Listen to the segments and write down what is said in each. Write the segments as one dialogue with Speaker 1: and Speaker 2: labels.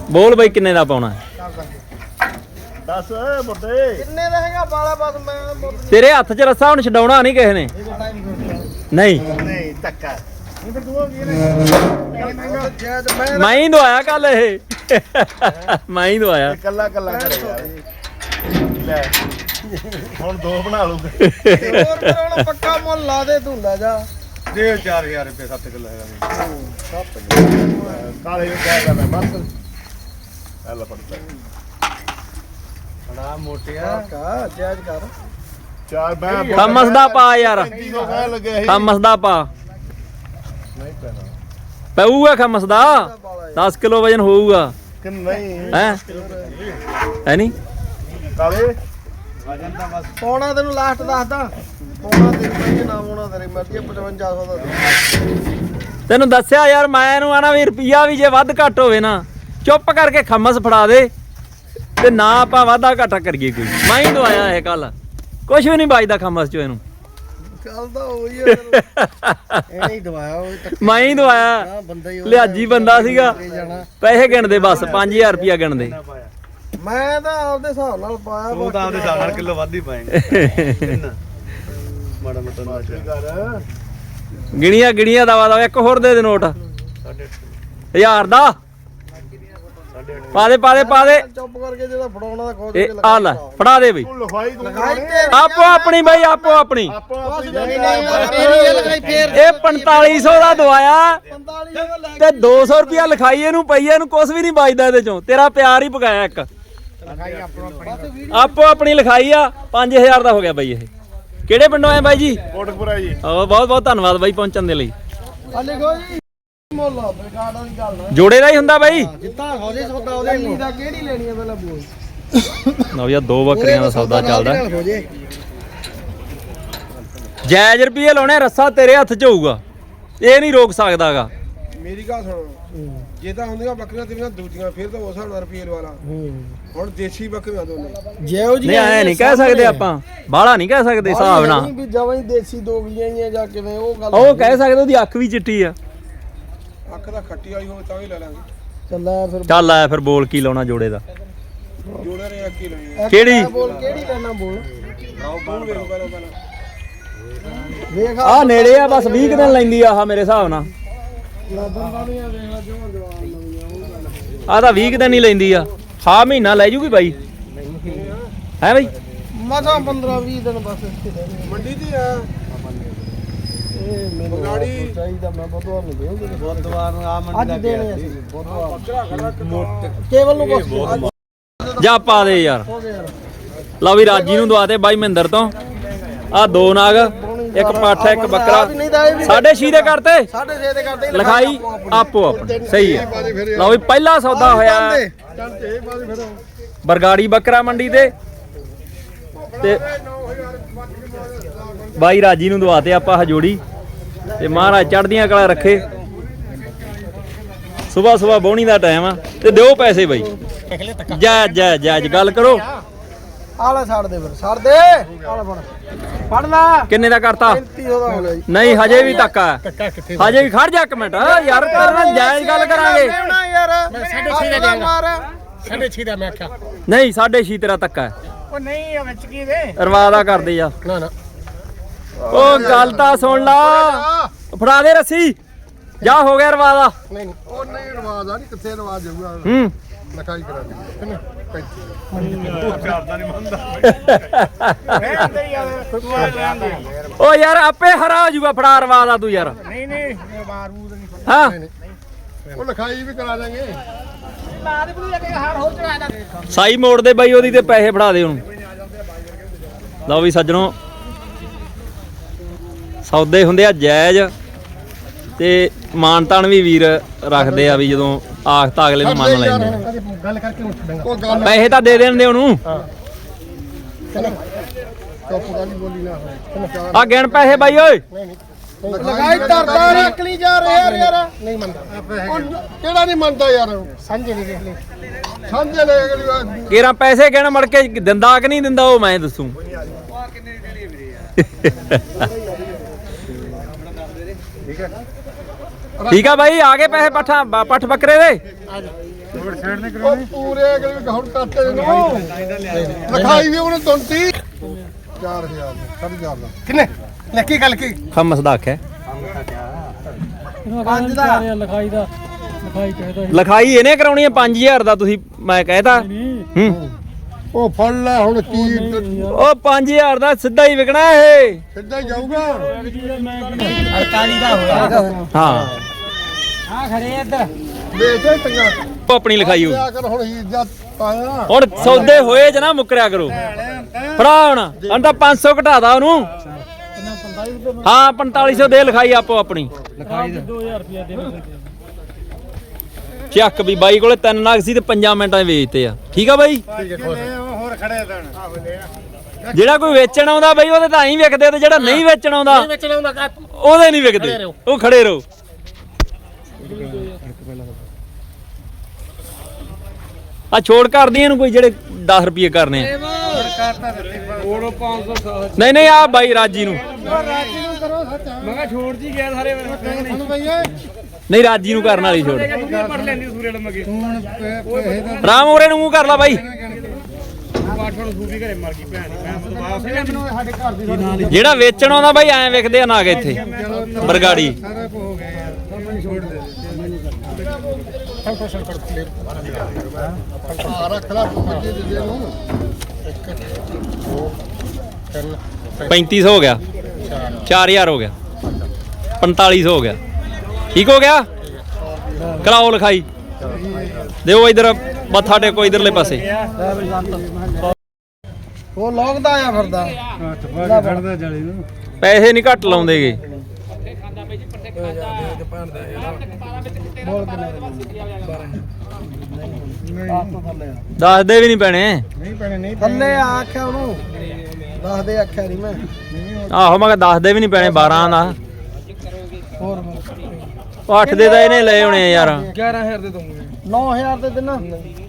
Speaker 1: ਬੋਲ ਬਈ ਕਿੰਨੇ ਦਾ ਪਾਉਣਾ?
Speaker 2: ਦੱਸ ਮੁੰਡੇ
Speaker 3: ਕਿੰਨੇ ਦਾ ਹੈਗਾ ਬਾਲਾ ਬਸ ਮੈਂ
Speaker 1: ਤੇਰੇ ਹੱਥ 'ਚ ਰੱਸਾ ਹੁਣ ਛਡਾਉਣਾ ਨਹੀਂ ਕਿਸੇ ਨੇ। ਨਹੀਂ
Speaker 2: ਨਹੀਂ ਧੱਕਾ
Speaker 1: ਮੈਂ ਹੀ ਦਵਾਇਆ ਕੱਲ ਇਹ ਮੈਂ ਹੀ ਦਵਾਇਆ।
Speaker 2: ਕੱਲਾ ਕੱਲਾ ਲੈ ਹੁਣ ਦੋ ਬਣਾ ਲੂਗੇ
Speaker 3: ਹੋਰ ਪੱਕਾ ਮੁੱਲ ਲਾ ਦੇ ਤੂੰ ਲੈ ਜਾ
Speaker 2: ਦੇ 4000 ਰੁਪਏ 7 ਕਿਲੋ ਹੈਗਾ ਕਾਲੇ ਨੂੰ ਕਹਿ ਦਿੰਦਾ ਬਸ ਐਲਾ ਪੜਦਾ
Speaker 3: ਬੜਾ ਮੋਟਿਆ ਕਾ ਜਾਇਜ਼ ਕਰ
Speaker 2: ਚਾਰ ਮੈਂ
Speaker 1: ਥਮਸ ਦਾ ਪਾ ਯਾਰ,
Speaker 2: 3500 ਕਹਿ ਲੱਗਿਆ ਸੀ
Speaker 1: ਥਮਸ ਦਾ ਪਾ।
Speaker 2: ਨਹੀਂ ਪੈਣਾ
Speaker 1: ਪਊਗਾ ਖਮਸ ਦਾ 10 ਕਿਲੋ ਵਜਨ ਹੋਊਗਾ
Speaker 2: ਕਿ ਨਹੀਂ
Speaker 1: ਹੈ ਨਹੀਂ
Speaker 2: ਕਾਲੇ
Speaker 3: ਪੌਣਾ ਤੈਨੂੰ ਲਾਸਟ ਦੱਸਦਾ ਪੌਣਾ ਤੇਰੀ ਮਰਜ਼ੀ ਨਾ ਪੌਣਾ ਤੇਰੀ ਮਰਜ਼ੀ 5500 ਦਾ
Speaker 1: ਤੈਨੂੰ ਦੱਸਿਆ ਯਾਰ ਮੈਂ ਇਹਨੂੰ ਆਣਾ ਵੀ ਰੁਪਈਆ ਵੀ ਜੇ ਵੱਧ ਘੱਟ ਹੋਵੇ ਨਾ ਚੁੱਪ ਕਰਕੇ ਖਮਸ ਫੜਾ ਦੇ ਤੇ ਨਾ ਆਪਾਂ ਵਾਧਾ ਘਾਟਾ ਕਰੀਏ ਕੋਈ। ਮੈਂ ਹੀ ਦਵਾਇਆ ਇਹ ਕੱਲ, ਕੁਝ ਵੀ ਨਹੀਂ ਬਚਦਾ ਖਮਸ ਚੋਂ ਇਹਨੂੰ।
Speaker 3: ਚੱਲਦਾ ਹੋਈ ਇਹ ਨਹੀਂ ਦਵਾਇਆ ਉਹ
Speaker 1: ਮੈਂ ਹੀ ਦਵਾਇਆ,
Speaker 3: ਬੰਦਾ ਹੀ
Speaker 1: ਲਿਆਜੀ ਬੰਦਾ ਸੀਗਾ। ਪੈਸੇ ਗਿਣਦੇ ਬਸ 5000 ਰੁਪਇਆ ਗਿਣਦੇ।
Speaker 3: ਮੈਂ ਤਾਂ ਆਪਦੇ ਹਿਸਾਬ ਨਾਲ ਪਾਇਆ
Speaker 2: ਤੂੰ ਤਾਂ ਆਪਦੇ ਹਿਸਾਬ ਨਾਲ ਕਿਲੋ ਵੱਧ ਹੀ ਪਾਏਂਗਾ ਮਾੜਾ ਮੋਟਾ ਕਰ
Speaker 1: ਗਿਣੀਆਂ ਦਵਾ ਇੱਕ ਹੋਰ ਦੇ ਨੋਟ 1000 ਦਾ ਪਾ ਦੇ
Speaker 3: ਚੁੱਪ ਕਰਕੇ ਜਿਹੜਾ ਫੜਾਉਣਾ ਦਾ ਖੋਜ
Speaker 1: ਇਹ ਆ ਲੈ ਫੜਾ ਦੇ ਬਈ।
Speaker 2: ਤੂੰ ਲਿਖਾਈ ਤੂੰ
Speaker 1: ਆਪੋ ਆਪਣੀ ਬਈ ਆਪੋ ਆਪਣੀ। ਇਹ 4500 ਦਾ ਦਵਾਇਆ
Speaker 3: 4500 ਦਾ ਲੈ
Speaker 1: ਤੇ 200 ਰੁਪਿਆ ਲਿਖਾਈ ਇਹਨੂੰ ਪਈ ਇਹਨੂੰ ਕੁਝ ਵੀ ਨਹੀਂ ਬਚਦਾ ਇਹਦੇ ਚੋਂ। ਤੇਰਾ ਪਿਆਰ ਹੀ ਪਕਾਇਆ ਇੱਕ। ਆਪੋ ਆਪਣੀ ਲਿਖਾਈ ਆ 5000 ਦਾ ਹੋ ਗਿਆ ਬਾਈ। ਇਹ ਕਿਹੜੇ ਪਿੰਡੋਂ ਆਏ ਬਾਈ ਜੀ?
Speaker 2: ਕੋਟਕਪੁਰਾ ਜੀ।
Speaker 1: ਬਹੁਤ ਬਹੁਤ ਧੰਨਵਾਦ ਬਾਈ ਪਹੁੰਚਣ ਦੇ ਲਈ।
Speaker 3: ਆ ਲਿਖੋ ਜੀ ਮੁੱਲ ਬੇਕਾਰਡਾਂ ਦੀ ਗੱਲ ਨਾ
Speaker 1: ਜੋੜੇ ਦਾ ਹੀ ਹੁੰਦਾ ਬਾਈ।
Speaker 3: ਜਿੱਤਾ ਹੋ ਜੇ ਸੌਦਾ ਉਹਦੇ ਨਹੀਂ ਦਾ ਕਿਹੜੀ ਲੈਣੀ ਹੈ ਪਹਿਲਾਂ ਬੋਲ
Speaker 1: ਲਓ ਯਾਰ ਦੋ ਬੱਕਰੀਆਂ ਦਾ ਸੌਦਾ ਚੱਲਦਾ।
Speaker 3: ਹੋ ਜੇ
Speaker 1: ਜਾਇਜ਼ ਰੁਪਏ ਲਾਉਣੇ, ਰੱਸਾ ਤੇਰੇ ਹੱਥ 'ਚ ਹੋਊਗਾ, ਇਹ ਨਹੀਂ ਰੋਕ ਸਕਦਾਗਾ।
Speaker 3: ਮੇਰੀ ਗੱਲ ਸੁਣੋ, ਜੇ ਤਾਂ ਹੁੰਦੀਆਂ ਬੱਕਰੀਆਂ ਤੇਰੀਆਂ ਦੂਜੀਆਂ ਫਿਰ ਤਾਂ ਉਸ ਹਿਸਾਬ ਨਾਲ ਰੁਪਏ ਲਵਾ ਲਾ। ਹੁਣ ਦੇਸੀ ਬੱਕਰੀਆਂ ਦੋਨੇ ਜਿਹੋ
Speaker 1: ਨਹੀਂ ਐ ਨਹੀਂ ਕਹਿ ਸਕਦੇ ਆਪਾਂ, ਬਾਹਲਾ ਨਹੀਂ ਕਹਿ ਸਕਦੇ ਹਿਸਾਬ ਨਾਲ।
Speaker 3: ਵੀ ਜਮਾਂ ਹੀ ਦੇਸੀ ਦੋ ਗਈਆਂ ਹੀ ਆ ਜਾਂ ਕਿਵੇਂ ਉਹ ਗੱਲ
Speaker 1: ਉਹ ਕਹਿ ਸਕਦੇ ਉਹਦੀ ਅੱਖ ਵੀ ਚਿੱਟੀ ਆ।
Speaker 3: ਅੱਖ ਦਾ ਖੱਟੀ ਵਾਲੀ ਹੋਵੇ ਤਾਂ ਵੀ ਲੈ ਲਾਂਗੇ। ਚੱਲ ਫਿਰ
Speaker 1: ਚੱਲ ਆਇਆ ਫਿਰ ਬੋਲ ਕੀ ਲਾਉਣਾ ਜੋੜੇ ਦਾ?
Speaker 3: ਜੋੜੇ ਨੇ ਅੱਕੀ ਲੈਣੀ
Speaker 1: ਕਿਹੜੀ?
Speaker 3: ਬੋਲ ਕਿਹੜੀ ਲੈਣਾ ਬੋਲ ਬੋਲ ਵੇਖ ਪਹਿਲਾਂ ਵੇਖ
Speaker 1: ਆ ਨੇੜੇ ਆ ਬਸ 20 ਦਿਨ ਲੈਂਦੀ ਆ ਆਹ ਮੇਰੇ ਹਿਸਾਬ ਨਾਲ। ਆ ਤਾਂ 20 ਦਿਨ ਹੀ ਲੈਂਦੀ ਆ, ਹਾਂ ਮਹੀਨਾ ਲੈ ਜੂਗੀ ਬਾਈ। ਹੈ ਬਾਈ
Speaker 3: ਮਸਾਂ 15-20 ਦਿਨ ਬਸ ਮੰਡੀ ਦੀ ਆ ਇਹ ਮੈਨੂੰ ਗਾੜੀ ਚਾਹੀਦਾ। ਮੈਂ ਬੁੱਧਵਾਰ ਨੂੰ ਦੇਉਂਗੀ, ਬੁੱਧਵਾਰ ਨੂੰ ਆ ਮੰਡੀ ਅੱਜ ਦੇਣੇ ਅਸੀਂ ਬੁੱਧਵਾਰ ਕੇਵਲ ਨੂੰ ਬਸ
Speaker 1: ਜਾ ਪਾ ਦੇ ਯਾਰ। ਲਓ ਵੀ ਰਾਜੀ ਨੂੰ ਦਵਾ ਦੇ ਬਾਈ ਮਹਿੰਦਰ ਤੋਂ। ਆ ਦੋ ਨਾਗ, ਇੱਕ ਪੱਠ ਇੱਕ ਬੱਕਰਾ 6.5 ਦੇ ਕਰਤੇ।
Speaker 3: 6.5 ਦੇ ਕਰਦੇ
Speaker 1: ਲਿਖਾਈ ਆਪੋ ਆਪਣੀ ਸਹੀ ਹੈ। ਲਓ ਵੀ ਪਹਿਲਾ ਸੌਦਾ ਹੋਇਆ ਬਰਗਾੜੀ ਬੱਕਰਾ ਮੰਡੀ ਤੇ ਬਾਈ ਰਾਜੀ ਨੂੰ ਦਵਾਤੇ ਆਪਾਂ ਹਜੋੜੀ ਤੇ ਮਹਾਰਾਜ ਚੜ੍ਹਦੀਆਂ ਕਲਾ ਰੱਖੇ। ਸਵੇਰ ਬੋਣੀ ਦਾ ਟਾਈਮ ਆ ਤੇ ਦਿਓ ਪੈਸੇ ਬਾਈ। ਜਾਇਜ਼ ਗੱਲ ਕਰੋ।
Speaker 3: ਆਲਾ ਛੱਡ ਦੇ ਫਿਰ ਛੱਡ ਦੇ ਆਲਾ ਫੜ ਲਾ।
Speaker 1: ਕਿੰਨੇ ਦਾ ਕਰਤਾ?
Speaker 3: 3500 ਦਾ ਹੋ ਗਿਆ ਜੀ।
Speaker 1: ਨਹੀਂ ਹਜੇ ਵੀ ਧੱਕਾ ਹਜੇ ਵੀ ਖੜ ਜਾ ਇੱਕ ਮਿੰਟ ਯਾਰ, ਤੇਰੇ ਨਾਲ ਜਾਇਜ਼ ਗੱਲ ਕਰਾਂਗੇ।
Speaker 3: ਯਾਰ 6.5 ਦਾ ਮਾਰ 6.5 ਦਾ ਮੈਂ ਆਖਿਆ
Speaker 1: ਨਹੀਂ 6.5 ਤੇਰਾ ਧੱਕਾ ਹੈ।
Speaker 3: ਉਹ ਨਹੀਂ ਵਿੱਚ ਕੀ ਦੇ
Speaker 1: ਰਵਾਦਾ ਕਰਦੇ ਜਾ।
Speaker 3: ਨਾ ਨਾ
Speaker 1: ਉਹ ਗੱਲ ਤਾਂ ਸੁਣ ਲਾ, ਫੜਾ ਦੇ ਰੱਸੀ ਜਾ, ਹੋ ਗਿਆ ਰਵਾਦਾ।
Speaker 3: ਨਹੀਂ ਉਹ ਨਹੀਂ ਰਵਾਜ ਆ ਨਹੀਂ ਕਿੱਥੇ ਰਵਾਜ ਜਾਊਗਾ।
Speaker 1: ਹੂੰ
Speaker 3: ਲਿਖਾਈ ਕਰਾ ਦੇ
Speaker 1: ਉਹ ਯਾਰ ਆਪੇ ਹਰਾ ਹੋ ਜੂਗਾ, ਫੜਾ ਰਵਾਦਾ ਤੂੰ ਯਾਰ।
Speaker 3: ਨਹੀਂ ਨਹੀਂ ਬਾਰੂਦ ਨਹੀਂ
Speaker 1: ਹਾਂ
Speaker 3: ਉਹ ਲਿਖਾਈ ਵੀ ਕਰਾ ਦਾਂਗੇ।
Speaker 1: ਸਾਈ ਮੋੜ ਦੇ ਬਾਈ ਉਹਦੀ ਤੇ ਪੈਸੇ ਫੜਾ ਦੇ ਉਹਨੂੰ। ਲਓ ਵੀ ਸੱਜਣੋ ਸੌਦੇ ਹੁੰਦੇ ਆ ਜਾਇਜ਼ ਤੇ ਮਾਨ ਤਾਨ ਵੀ ਵੀਰ ਰੱਖਦੇ ਆ ਵੀ ਜਦੋਂ ਆਖਤਾ ਅਗਲੇ ਨੂੰ ਮੰਨ ਲੈਂਦੇ।
Speaker 3: ਗੱਲ ਕਰਕੇ
Speaker 1: ਪੈਸੇ ਤਾਂ ਦੇ ਦੇਣ ਉਹਨੂੰ। ਆ ਗਿਣ ਪੈਸੇ ਬਾਈ ਓਏ।
Speaker 3: ਲਗਾਈ ਤਰਦਾ ਰੱਖ ਲਈ ਜਾ ਰਿਹਾ ਯਾਰ ਨਹੀਂ ਮੰਨਦਾ। ਕਿਹੜਾ ਨਹੀਂ ਮੰਨਦਾ ਯਾਰ? ਸਾਂਝੇ ਨਹੀਂ ਦੇਖ ਲੈ ਸਾਂਝੇ ਲੈ ਅਗਲੀ
Speaker 1: ਕੇਰਾ ਪੈਸੇ ਗਿਣ ਮੜ ਕੇ ਦਿੰਦਾ ਕਿ ਨਹੀਂ ਦਿੰਦਾ ਉਹ ਮੈਂ ਦੱਸੂ। ਠੀਕ ਆ ਬਾਈ ਆ ਗਏ ਪੈਸੇ ਪੱਠ ਬੱਕਰੇ ਦੇ
Speaker 2: ਉਹ ਪੂਰੇ ਅਗਲੇ ਹੁਣ ਕੱਟੇ ਨੂੰ ਲਿਖਾਈ ਵੀ ਉਹਨੇ 34 4000 4000 ਕਿੰਨੇ ਲੈ ਕੀ ਗੱਲ ਕੀ
Speaker 1: ਖਮਸ ਦਾ ਆਖਿਆ
Speaker 3: ਪੰਜ ਦਾ
Speaker 4: ਲਿਖਾਈ ਚਾਹੀਦਾ
Speaker 1: ਲਿਖਾਈ ਇਹਨੇ ਕਰਾਉਣੀ ਹੈ 5000 ਦਾ ਤੁਸੀਂ ਮੈਂ ਕਹਿਤਾ ਹੂੰ
Speaker 2: ਉਹ ਫੜ ਲੈ ਹੁਣ ਕੀ
Speaker 1: ਉਹ 5000 ਦਾ ਸਿੱਧਾ ਹੀ ਵਿਕਣਾ ਇਹ
Speaker 2: ਸਿੱਧਾ ਹੀ ਜਾਊਗਾ
Speaker 3: 48 ਦਾ ਹੋਇਆ
Speaker 1: ਹਾਂ
Speaker 3: ਆ ਖੜੇ ਇੱਧਰ
Speaker 2: ਵੇਚੇ ਟੰਗਾ
Speaker 1: ਉਹ ਆਪਣੀ ਲਿਖਾਈ ਹੋ
Speaker 2: ਲਿਆ ਕਰ ਹੁਣ ਹੀ ਜਦ ਪਾਇਆ
Speaker 1: ਹੁਣ ਸੌਦੇ ਹੋਏ ਜ ਨਾ ਮੁੱਕਰਿਆ ਕਰੋ ਫੜਾ ਹੁਣ ਤਾਂ 500 ਘਟਾ ਦਾ ਉਹਨੂੰ ਹਾਂ 4500 ਦੇ ਲਿਖਾਈ ਆਪੋ ਆਪਣੀ
Speaker 4: ਲਿਖਾਈ 2000 ਰੁਪਿਆ ਦੇ
Speaker 1: ਚੱਕ ਵੀ ਬਾਈ ਕੋਲੇ 3 ਨਗ ਸੀ ਤੇ 5 ਮਿੰਟਾਂ 'ਚ ਵੇਚਤੇ ਆ ਠੀਕ ਆ ਬਾਈ
Speaker 2: ਹੋਰ ਖੜੇ ਦੇਣ
Speaker 1: ਜਿਹੜਾ ਕੋਈ ਵੇਚਣ ਆਉਂਦਾ ਬਾਈ ਉਹਦੇ ਤਾਂ ਹੀ ਵਿਕਦੇ ਤੇ ਜਿਹੜਾ ਨਹੀਂ ਵੇਚਣ ਆਉਂਦਾ ਉਹਦੇ ਨਹੀਂ ਵਿਕਦੇ ਉਹ ਖੜੇ ਰਹੋ ਆ ਛੋੜ ਕਰਦੀ ਇਹਨੂੰ ਕੋਈ ਜਿਹੜੇ 10 ਰੁਪਏ ਕਰਨੇ ਆ
Speaker 3: ਕੋਲੋਂ 500
Speaker 1: ਨਹੀਂ ਆ ਬਾਈ ਰਾਜੀ ਨੂੰ
Speaker 3: ਮੈਂ ਕਿਹਾ ਛੋੜ ਜੀ ਗਿਆ ਸਾਰੇ
Speaker 1: ਨਹੀਂ ਰਾਜੀ ਨੂੰ ਕਰਨ ਵਾਲੀ ਛੋੜ
Speaker 3: ਪੜ ਲੈਂਦੀ ਸੂਰੇ ਲੰਮਗੇ
Speaker 1: ਰਾਮ ਉਰੇ ਨੂੰ ਮੂੰਹ ਕਰ ਲਾ ਬਾਈ
Speaker 3: ਪਾਠਣ ਸੂਰੀ ਘਰੇ ਮਰ ਗਈ ਭੈਣ ਮੈਂ ਵਾਪਸ ਮੈਨੂੰ ਸਾਡੇ ਘਰ ਦੀ
Speaker 1: ਜਿਹੜਾ ਵੇਚਣ ਆਉਂਦਾ ਬਾਈ ਐਂ ਵਿਕਦੇ ਆ ਨਾਗ ਇੱਥੇ ਬਰਗਾੜੀ
Speaker 2: ਸਾਰਾ ਕੁ ਹੋ ਗਿਆ ਯਾਰ ਮੈਨੂੰ ਛੋੜ ਦੇ ਰੱਖ ਲਾ ਬੱਚੇ ਦੇ ਨੂੰ
Speaker 1: 3500 ਹੋ ਗਿਆ 4000 ਹੋ ਗਿਆ 4500 ਹੋ ਗਿਆ ਠੀਕ ਹੋ ਗਿਆ ਕਰਾਓ ਲਿਖਾਈ ਦਿਓ ਇਧਰ ਮੱਥਾ ਟੇਕੋ ਇਧਰਲੇ ਪਾਸੇ
Speaker 3: ਉਹ ਲੋਕਦਾ ਆ ਫਿਰਦਾ
Speaker 2: ਖੜਦਾ ਜਾਲੀ ਨੂੰ
Speaker 1: ਪੈਸੇ ਨਹੀਂ ਘੱਟ ਲਾਉਂਦੇਗੇ ਦੱਸਦੇ ਵੀ ਨਹੀਂ ਪੈਣੇ
Speaker 2: ਨਹੀਂ ਪੈਣੇ ਨਹੀਂ
Speaker 3: ਥੱਲੇ ਆਖਿਆ ਉਹਨੂੰ ਦੱਸ ਦੇ ਆਖਿਆ ਨਹੀਂ ਮੈਂ
Speaker 1: ਆਹੋ ਮੈਂ ਕਿਹਾ ਦੱਸਦੇ ਵੀ ਨਹੀਂ ਪੈਣੇ 12 ਦਾ
Speaker 3: ਹੋਰ
Speaker 1: ਉਹ 8 ਦੇ ਤਾਂ ਇਹਨੇ ਲਏ ਹੋਣੇ ਆ ਯਾਰ
Speaker 3: 11000 ਦੇ ਦੂੰਗੇ 9000 ਦੇ ਦਿਨਾ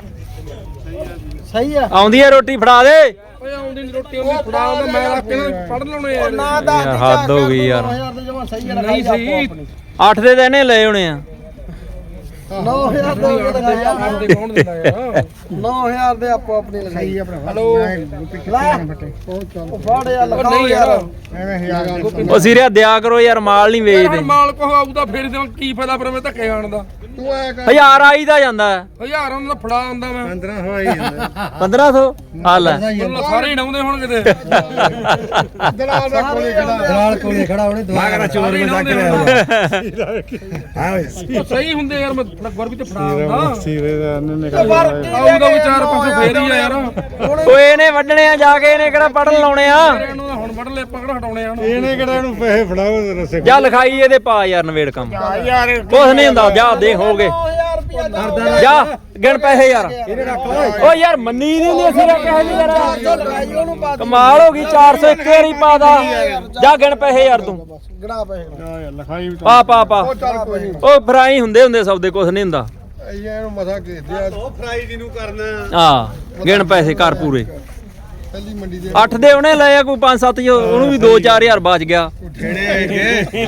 Speaker 3: ਸਹੀ ਆ
Speaker 1: ਆਉਂਦੀ ਹੈ ਰੋਟੀ ਫੜਾ ਦੇ
Speaker 3: ਓਏ ਆਉਂਦੀ ਨੀ ਰੋਟੀ ਉਹਦੀ ਫੜਾ ਉਹਦਾ ਮੈਂ ਰੱਖ ਕੇ ਪੜ ਲਾਉਣੇ ਯਾਰ ਨਾ ਦੱਸ
Speaker 1: ਯਾਰ ਹੱਦ ਹੋ ਗਈ ਯਾਰ
Speaker 3: 9000 ਦੇ ਜਮਾ ਸਹੀ ਆ ਨਹੀਂ ਸਹੀ
Speaker 1: 8 ਦੇ ਤਾਂ ਇਹਨੇ ਲਏ ਹੋਣੇ ਆ
Speaker 3: 9000 ਦੇ ਲਗਾਇਆ ਦੇ ਕੌਣ ਦਿੰਦਾ ਯਾਰ 9000 ਦੇ ਆਪੋ ਆਪਣੀ ਲਗਾਈ ਹੈਲੋ ਉਹ ਫੜ ਯਾਰ ਲਗਾਓ ਯਾਰ
Speaker 2: ਐਵੇਂ ਹਜ਼ਾਰ
Speaker 1: ਉਹ ਸਿਰਿਆ ਦਿਆ ਕਰੋ ਯਾਰ ਮਾਲ ਨਹੀਂ ਵੇਚਦੇ
Speaker 3: ਮਾਲ ਕੋ ਆਊਦਾ ਫੇਰ ਦੇ ਕੀ ਫਾਇਦਾ ਪਰ ਮੈਂ ਧੱਕੇ ਖਾਣ ਦਾ
Speaker 2: ਤੂੰ ਐ ਕਰ
Speaker 1: 1000 ਆਈ ਦਾ ਜਾਂਦਾ
Speaker 3: 1000 ਉਹਨਾਂ ਦਾ ਫੜਾ ਆਉਂਦਾ ਮੈਂ
Speaker 2: 15 ਹੋਈ ਜਾਂਦਾ
Speaker 1: 1500 ਆ ਲੈ
Speaker 3: ਉਹਨਾਂ ਸਾਰੇ ਹੀ ਡਾਉਂਦੇ ਹੁਣ ਕਿਤੇ
Speaker 2: ਦਲਾਲ ਦਾ ਕੋਲੇ ਖੜਾ
Speaker 3: ਦਲਾਲ ਕੋਲੇ ਖੜਾ ਉਹਨੇ ਦੁਆ ਚੋਰ ਮਜ਼ਾਕ ਉਹ ਸਹੀ ਹੁੰਦੇ ਯਾਰ ਮੈਂ ਗੁਰ ਵੀ ਤੇ ਫੜਾ ਆਉਂਦਾ
Speaker 2: ਸੀਰੇ ਦਾ ਉਹਨੇ
Speaker 3: ਆਊਗਾ ਵੀ 4-5 ਫੇਰ ਹੀ ਆ ਯਾਰ
Speaker 1: ਓਏ ਇਹਨੇ ਵੱਢਣੇ ਆ ਜਾ ਕੇ ਇਹਨੇ ਕਿਹੜਾ ਪੜਨ ਲਾਉਣੇ ਆ
Speaker 3: ਇਹਨੂੰ ਤਾਂ ਹੁਣ ਵੱਢ ਲੈ ਪਕੜ ਹਟਾਉਣੇ ਆ
Speaker 2: ਇਹਨੇ ਕਿਹੜਾ ਇਹਨੂੰ ਪੈਸੇ ਫੜਾਓ ਰਸੇ
Speaker 1: ਜਾ ਲਿਖਾਈ ਇਹਦੇ ਪਾ ਯਾਰ ਨਵੇੜ ਕੰਮ
Speaker 2: ਯਾਰ
Speaker 1: ਕੁਛ ਨਹੀਂ ਹੁੰਦਾ ਜਾ ਦੇ ਹੋਗੇ ਜਾ ਗਿਣ ਪੈਸੇ ਯਾਰ ਓ ਯਾਰ ਮੰਨੀ ਨਹੀਂ ਹੁੰਦੀ ਅਸੀਂ ਕਿਹਾ ਨਹੀਂ ਯਾਰ ਕਮਾਲ ਹੋ ਗਈ 400 ਇੱਕ ਵਾਰੀ ਪਾ ਦਾ ਜਾ ਗਿਣ ਪੈਸੇ ਯਾਰ ਤੂੰ
Speaker 3: ਗੜਾ ਪਏ
Speaker 2: ਯਾਰ ਲਿਖਾਈ ਵੀ
Speaker 1: ਪਾ
Speaker 2: ਉਹ ਚੱਲ ਕੋਈ ਨਹੀਂ
Speaker 1: ਓ ਫਰਾਈ ਹੁੰਦੇ ਸੌਦੇ ਕੁਛ ਨਹੀਂ ਹੁੰਦਾ
Speaker 2: ਇਹਨੂੰ ਮਸਾ ਘੇਦੇ ਆ ਉਹ ਫਰਾਈ ਜਿਹਨੂੰ ਕਰਨਾ
Speaker 1: ਆ ਗਿਣ ਪੈਸੇ ਘਰ ਪੂਰੇ
Speaker 2: ਪਹਿਲੀ ਮੰਡੀ ਦੇ
Speaker 1: 8 ਦੇ ਉਹਨੇ ਲਏ ਆ ਕੋਈ 5-7 ਉਹਨੂੰ ਵੀ 2-4000 ਬਚ ਗਿਆ
Speaker 2: ਠੇੜੇ ਆਏਗੇ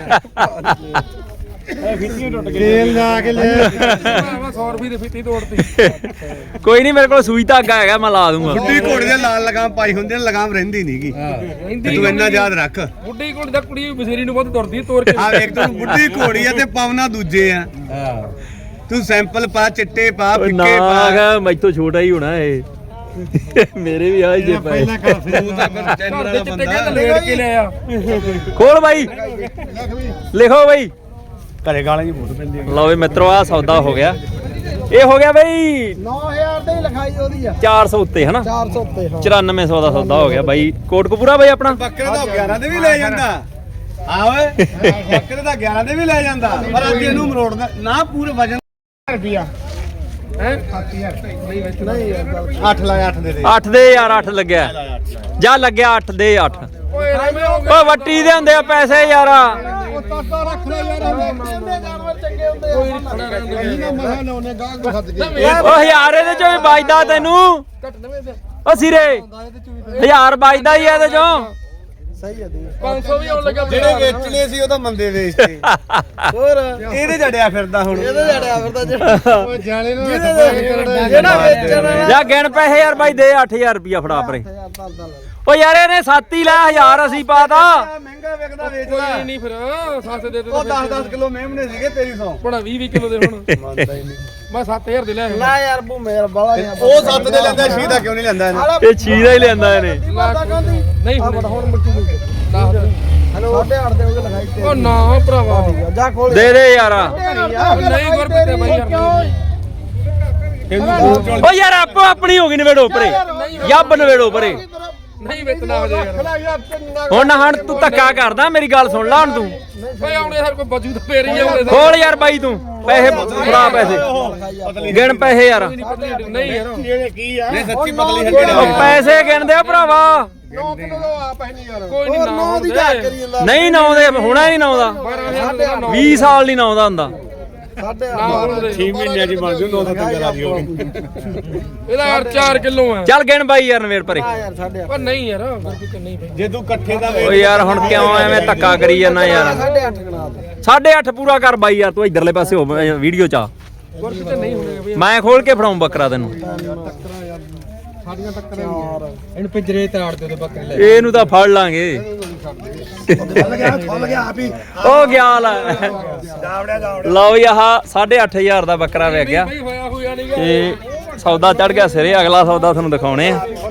Speaker 2: ਤੇਲ ਜਾ ਕੇ ਲੈ
Speaker 3: 100 ਰੁਪਏ ਦੀ ਫਿੱਟੀ ਤੋੜਤੀ
Speaker 1: ਕੋਈ ਨਹੀਂ ਮੇਰੇ ਕੋਲ ਸੂਈ ਧਾਗਾ ਹੈਗਾ ਮੈਂ ਲਾ ਦੂੰਗਾ
Speaker 5: ਬੁੱਢੀ ਘੋੜੇ ਦੇ ਲਾਲ ਲਗਾਮ ਪਾਈ ਹੁੰਦੀ ਨੇ ਲਗਾਮ ਰਹਿੰਦੀ ਨਹੀਂਗੀ ਤੂੰ ਇੰਨਾ ਯਾਦ ਰੱਖ
Speaker 3: ਬੁੱਢੀ ਕੋਲ ਦਾ ਕੁੜੀ ਬਸੇਰੀ ਨੂੰ ਬਹੁਤ ਤੁਰਦੀ ਤੋੜ ਕੇ
Speaker 5: ਆ ਵੇਖ ਤੂੰ ਬੁੱਢੀ ਘੋੜੀ ਆ ਤੇ ਪਵਨਾ ਦੂਜੇ ਆ ਤੂੰ ਸੈਂਪਲ ਪਾ ਚਿੱਟੇ ਪਾ
Speaker 1: ਓਏ
Speaker 5: ਫਿੱਕੇ
Speaker 1: ਨਾ
Speaker 5: ਪਾ
Speaker 1: ਹੈਗਾ ਮੈਥੋਂ ਛੋਟਾ ਹੀ ਹੋਣਾ ਇਹ ਮੇਰੇ ਵੀ ਆ ਜੇ ਪਏ
Speaker 5: ਤੂੰ ਤਾਂ ਫਿਰ ਚੈਨਲ ਵਾਲਾ
Speaker 3: ਚਿੱਟੇ
Speaker 5: ਬੰਦਾ
Speaker 3: ਕਹਿੰਦਾ ਲੇਟ ਕੇ ਲੈ ਆ
Speaker 1: ਖੋਲ ਬਾਈ ਲਿਖੋ ਬਾਈ
Speaker 5: ਘਰੇ ਗਾਲਾਂ ਦੀ ਫੋਟੋ ਪੈਂਦੀ
Speaker 1: ਲਓ ਵੀ ਮਿੱਤਰੋ ਆ ਸੌਦਾ ਹੋ ਗਿਆ ਇਹ ਹੋ ਗਿਆ ਬਈ
Speaker 3: 9000 ਦੇ ਲਿਖਾਈ ਉਹਦੀ ਆ
Speaker 1: 400 ਉੱਤੇ ਹਨਾ
Speaker 3: 400 ਉੱਤੇ
Speaker 1: 9400 ਦਾ ਸੌਦਾ ਹੋ ਗਿਆ ਬਾਈ ਕੋਟਕਪੂਰਾ ਬਾਈ ਆਪਣਾ
Speaker 5: ਬੱਕਰੇ ਦਾ 11 ਦੇ ਵੀ ਲੈ ਜਾਂਦਾ ਆ ਓਏ ਬੱਕਰੇ ਦਾ 11 ਦੇ ਵੀ ਲੈ ਜਾਂਦਾ ਪਰ ਅੱਜ ਇਹਨੂੰ ਮਰੋੜਦਾ ਨਾ ਪੂਰੇ ਵਜਨ
Speaker 2: ਰੁਪਿਆ
Speaker 3: ਹੈ 7000 ਨਹੀਂ ਯਾਰ ਗੱਲ
Speaker 5: 8 ਲਾਇਆ 8 ਦੇ
Speaker 1: 8 ਦੇ ਯਾਰ 8 ਲੱਗਿਆ ਜਾ ਲੱਗਿਆ 8 ਦੇ 8
Speaker 3: ਓਏ ਐਵੇਂ ਹੋ
Speaker 1: ਓ ਵੱਟੀ ਦੇ ਹੁੰਦੇ ਆ ਪੈਸੇ ਯਾਰ
Speaker 2: ਉਹ ਤਾਤਾ ਰੱਖ ਲੈ ਯਾਰ
Speaker 3: ਜਾਨਵਰ ਚੰਗੇ ਹੁੰਦੇ ਆ
Speaker 2: ਇਹੀ ਨਾ ਮਸਾ ਲਾਉਨੇ ਗਾਹਕ ਨੂੰ ਸੱਦ ਕੇ
Speaker 1: ਓ ਹਜ਼ਾਰ ਇਹਦੇ ਚੋਂ ਵੀ ਵੱਜਦਾ ਤੈਨੂੰ
Speaker 3: ਘੱਟ ਨਵੇਂ ਦੇ
Speaker 1: ਓ ਸਿਰੇ 1000 ਵੱਜਦਾ ਹੀ ਇਹਦੇ ਚੋਂ
Speaker 3: ਸਹੀ ਆ ਦੇ
Speaker 4: 500 ਵੀ ਆਉਣ ਲੱਗਾ
Speaker 5: ਜਿਹੜੇ ਵੇਚਣੇ ਸੀ ਉਹ ਤਾਂ ਮੰਦੇ ਵੇਚਤੇ
Speaker 3: ਹੋਰ
Speaker 5: ਇਹਦੇ ਜੜਿਆ ਫਿਰਦਾ ਹੁਣ
Speaker 3: ਇਹਦੇ ਜੜਿਆ ਫਿਰਦਾ ਜਿਹੜਾ
Speaker 2: ਓਏ ਜਾਣੇ ਨੂੰ
Speaker 3: ਜਿਹੜਾ ਵੇਚਣਾ
Speaker 1: ਜਾ ਗਿਣ ਪੈਸੇ ਯਾਰ ਬਾਈ ਦੇ 8000 ਰੁਪਿਆ ਫੜਾ ਪਰੇ ਓ ਯਾਰ ਇਹਨੇ 7 ਹੀ ਲਿਆ 1000 ਅਸੀਂ ਪਾਤਾ
Speaker 5: ਮਹਿੰਗਾ ਵਿਕਦਾ ਵੇਚਦਾ
Speaker 4: ਕੋਈ ਨਹੀਂ ਫਿਰ ਸੱਤ ਦੇ
Speaker 5: ਉਹ 10-10 ਕਿਲੋ ਮੇਮਣੇ ਸੀਗੇ ਤੇਰੀ ਸੌ
Speaker 4: ਬੜਾ 20 ਕਿਲੋ ਦੇ ਹੁਣ
Speaker 5: ਮੰਨਦਾ ਹੀ ਨਹੀਂ
Speaker 4: ਮੈਂ 7000 ਦੇ ਲਿਆ
Speaker 3: ਨਾ ਯਾਰ ਭੂਮੇ ਯਾਰ ਬਾਲਾ ਨਹੀਂ
Speaker 5: ਉਹ 7 ਦੇ ਲੈਂਦਾ 6 ਦਾ ਕਿਉਂ ਨਹੀਂ ਲੈਂਦਾ ਇਹਨੇ
Speaker 1: ਇਹ ਚੀਜ਼ਾ ਹੀ ਲੈਂਦਾ ਇਹਨੇ
Speaker 4: ਨਹੀਂ
Speaker 3: ਆ ਬੜਾ ਹੁਣ ਮੱਕੀ ਨਹੀਂ ਹੈਲੋ 8.5 ਦੇ ਉਹਦੇ ਲਗਾਈ ਤੇ
Speaker 4: ਉਹ ਨਾ ਭਰਾਵਾ
Speaker 3: ਜਾ ਖੋਲ
Speaker 1: ਦੇ ਦੇ ਯਾਰ
Speaker 4: ਨਹੀਂ ਗੁਰਪ੍ਰੀਤ ਤੇ ਬਾਈ ਯਾਰ
Speaker 1: ਓ ਯਾਰ ਆਪੋ ਆਪਣੀ ਹੋ ਗਈ ਨਵੇੜੋ ਪਰੇ ਯੱਬ ਨਵੇੜੋ ਪਰੇ
Speaker 4: ਨਹੀਂ ਵੇਚਣਾ ਹੋ ਯਾਰ
Speaker 1: ਹੁਣ ਤੂੰ ਧੱਕਾ ਕਰਦਾ ਮੇਰੀ ਗੱਲ ਸੁਣ ਲੈ ਹੁਣ ਤੂੰ
Speaker 4: ਓਏ ਆਉਣੇ ਹਰ ਕੋਈ ਬਜੂ ਤਾਂ ਫੇਰ ਹੀ ਆਉਣੇ
Speaker 1: ਖੋਲ ਯਾਰ ਬਾਈ ਤੂੰ ਪੈਸੇ ਫੜਾ ਪੈਸੇ ਗਿਣ ਪੈਸੇ ਯਾਰ
Speaker 4: ਨਹੀਂ ਯਾਰ
Speaker 5: ਨਹੀਂ ਸੱਚੀ ਪਤਲੀ ਹੱਡੀ
Speaker 1: ਉਹ ਪੈਸੇ ਗਿਣਦੇ ਆ ਭਰਾਵਾ
Speaker 2: 9 ਕਿਲੋ ਦਾ ਆਪ ਹੈ ਨਹੀਂ ਯਾਰ
Speaker 4: ਕੋਈ ਨਹੀਂ
Speaker 3: ਹੋਰ
Speaker 4: ਨਾ
Speaker 3: ਨੌ ਦੀ ਜਾ ਕਰੀ ਜਾਂਦਾ
Speaker 1: ਨਹੀਂ ਨਾਉਂਦੇ ਹੁਣਾ ਨਹੀਂ ਨਾਉਂਦਾ 20 ਸਾਲ ਨਹੀਂ ਨਾਉਂਦਾ ਹੁੰਦਾ
Speaker 3: ਸਾਡੇ
Speaker 4: ਨਾ ਹੋਣ ਦੇ
Speaker 5: 6 ਮਹੀਨਿਆਂ ਦੀ ਬਣ ਜੂ 2-3 ਰਾਜੀ ਹੋ ਗਈ
Speaker 4: ਇਹਦਾ ਯਾਰ 4 ਕਿਲੋ ਆ
Speaker 1: ਚੱਲ ਗਿਣ ਬਾਈ ਯਾਰ ਨਵੇੜ ਪਰੇ
Speaker 3: ਆ ਯਾਰ ਸਾਡੇ
Speaker 4: ਪਰ ਨਹੀਂ ਯਾਰ ਗੁਰਪ੍ਰੀਤ ਨਹੀਂ ਬਈ
Speaker 5: ਜੇ ਤੂੰ ਇਕੱਠੇ ਦਾ
Speaker 1: ਓ ਯਾਰ ਹੁਣ ਕਿਉਂ ਐਵੇਂ ਧੱਕਾ ਕਰੀ ਜਾਂਦਾ ਯਾਰ
Speaker 3: 8.5 ਗਣਾ ਦੇ
Speaker 1: 8.5 ਪੂਰਾ ਕਰ ਬਾਈ ਯਾਰ ਤੂੰ ਇਧਰਲੇ ਪਾਸੇ ਹੋ ਵੀਡੀਓ ਚ ਆ
Speaker 4: ਗੁਰਪ੍ਰੀਤ ਨਹੀਂ ਹੋਣੇ ਬਈ
Speaker 1: ਮੈਂ ਖੋਲ ਕੇ ਫੜਾਉਂ ਬੱਕਰਾ ਤੈਨੂੰ
Speaker 2: ਸਾਡੀਆਂ ਟੱਕਰਾਂ
Speaker 4: ਇਹਨੂੰ ਪਿੰਜਰੇ ਤੇ ਆੜ ਦੇ ਬੱਕਰੇ ਲੈ
Speaker 1: ਇਹਨੂੰ ਤਾਂ ਫੜ ਲਾਂਗੇ
Speaker 5: ਖੁੱਲ ਗਿਆ ਆਪ ਹੀ
Speaker 1: ਉਹ ਗਿਆ ਲੈ ਲਓ ਜੀ ਆਹ 8.5000 ਦਾ ਬੱਕਰਾ ਵਿਕ ਗਿਆ
Speaker 4: ਬਈ ਹੋਇਆ ਹੋਇਆ ਨਹੀਂਗਾ
Speaker 1: ਤੇ ਸੌਦਾ ਚੜ ਗਿਆ ਸਿਰੇ ਅਗਲਾ ਸੌਦਾ ਤੁਹਾਨੂੰ ਦਿਖਾਉਣੇ ਆ